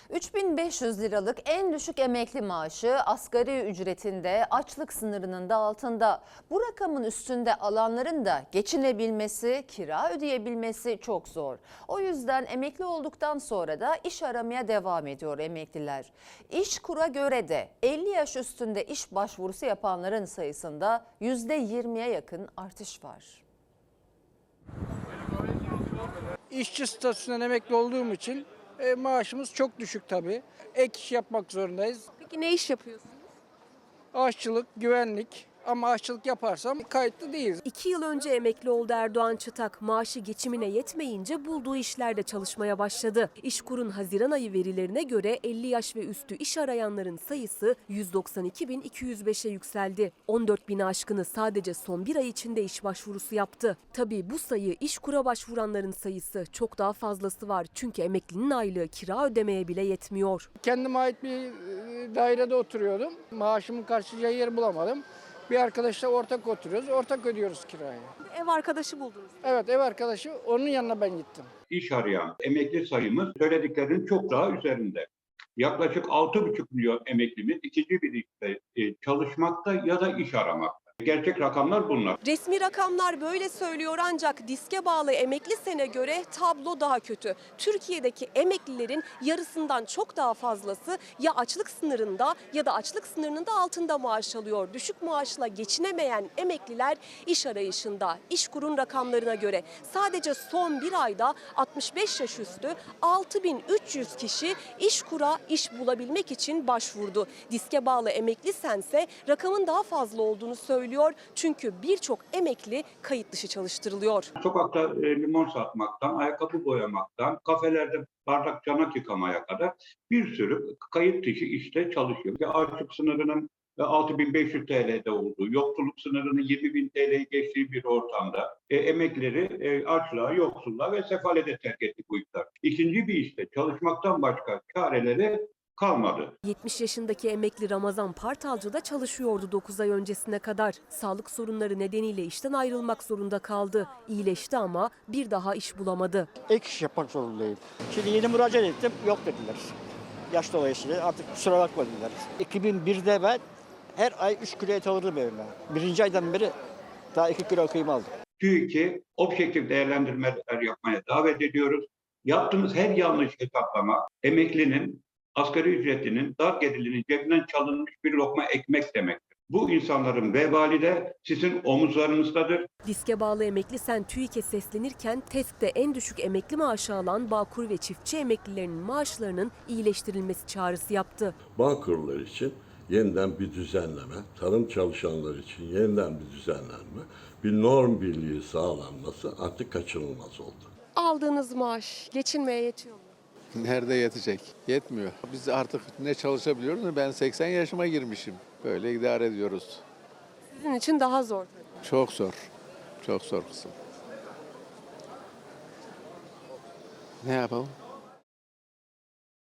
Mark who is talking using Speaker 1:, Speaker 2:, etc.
Speaker 1: 3.500 liralık en düşük emekli maaşı asgari ücretinde açlık sınırının da altında. Bu rakamın üstünde alanların da geçinebilmesi, kira ödeyebilmesi çok zor. O yüzden emekli olduktan sonra da iş aramaya devam ediyor emekliler. İşkur'a göre de 50 yaş üstünde iş başvurusu yapanların sayısında %20'ye yakın artış var.
Speaker 2: İşçi statüsünden emekli olduğum için maaşımız çok düşük tabii. Ek iş yapmak zorundayız.
Speaker 3: Peki ne iş yapıyorsunuz?
Speaker 2: Aşçılık, güvenlik ama aşçılık yaparsam kayıtlı değiliz.
Speaker 3: 2 yıl önce emekli oldu Erdoğan Çıtak. Maaşı geçimine yetmeyince bulduğu işlerde çalışmaya başladı. İşkur'un Haziran ayı verilerine göre 50 yaş ve üstü iş arayanların sayısı 192.205'e yükseldi. 14.000'i aşkını sadece son bir ay içinde iş başvurusu yaptı. Tabii bu sayı İşkur'a başvuranların sayısı, çok daha fazlası var. Çünkü emeklinin aylığı kira ödemeye bile yetmiyor.
Speaker 2: Kendime ait bir dairede oturuyordum. Maaşımın karşılayacağı yer bulamadım. Bir arkadaşla ortak oturuyoruz. Ortak ödüyoruz kirayı.
Speaker 3: Ev arkadaşı buldunuz.
Speaker 2: Evet, ev arkadaşı, onun yanına ben gittim.
Speaker 4: İş arayan emekli sayımız söylediklerinin çok daha üzerinde. Yaklaşık 6,5 milyon emeklimiz ikinci bir işte çalışmakta ya da iş aramakta. Gerçek rakamlar bunlar.
Speaker 3: Resmi rakamlar böyle söylüyor ancak diske bağlı emekli sene göre tablo daha kötü. Türkiye'deki emeklilerin yarısından çok daha fazlası ya açlık sınırında ya da açlık sınırının da altında maaş alıyor. Düşük maaşla geçinemeyen emekliler iş arayışında. İşkur'un rakamlarına göre sadece son bir ayda 65 yaş üstü 6.300 kişi İşkur'a iş bulabilmek için başvurdu. Diske bağlı emekli sense rakamın daha fazla olduğunu söylüyor. Çünkü birçok emekli kayıt dışı çalıştırılıyor.
Speaker 4: Sokakta limon satmaktan, ayakkabı boyamaktan, kafelerde bardak çanak yıkamaya kadar bir sürü kayıt dışı işte çalışıyor. Açlık sınırının 6.500 TL'de olduğu, yoksulluk sınırının 20.000 TL'yi geçtiği bir ortamda emeklileri açlığa, yoksulluğa ve sefalete terk etti bu iktidar. İkinci bir işte çalışmaktan başka çareleri kalmadı.
Speaker 3: 70 yaşındaki emekli Ramazan Partalcı da çalışıyordu 9 ay öncesine kadar. Sağlık sorunları nedeniyle işten ayrılmak zorunda kaldı. İyileşti ama bir daha iş bulamadı.
Speaker 5: Ek iş yapmak zorundayım. Şimdi yeni müracaat ettim, yok dediler. Yaş dolayısıyla artık kusura bakma dediler. 2001'de ben her ay 3 kilo et alırdım evime. Birinci aydan beri daha 2 kilo kıyma aldım.
Speaker 4: TÜİK'i objektif değerlendirmeler yapmaya davet ediyoruz. Yaptığımız her yanlış hesaplama emeklinin asgari ücretinin, dar gelirlinin cebinden çalınmış bir lokma ekmek demektir. Bu insanların vebali de sizin omuzlarınızdadır.
Speaker 3: Diske bağlı emekli sen TÜİK'e seslenirken TESK'te en düşük emekli maaşı alan Bağkur ve çiftçi emeklilerinin maaşlarının iyileştirilmesi çağrısı yaptı.
Speaker 6: Bağkurlar için yeniden bir düzenleme, tarım çalışanları için yeniden bir düzenlenme, bir norm birliği sağlanması artık kaçınılmaz oldu.
Speaker 3: Aldığınız maaş geçinmeye yetiyor mu?
Speaker 7: Nerede yetecek? Yetmiyor. Biz artık ne çalışabiliyoruz ne ben 80 yaşıma girmişim. Böyle idare ediyoruz.
Speaker 3: Sizin için daha zor tabii.
Speaker 7: Çok zor. Çok zor kızım. Ne yapalım?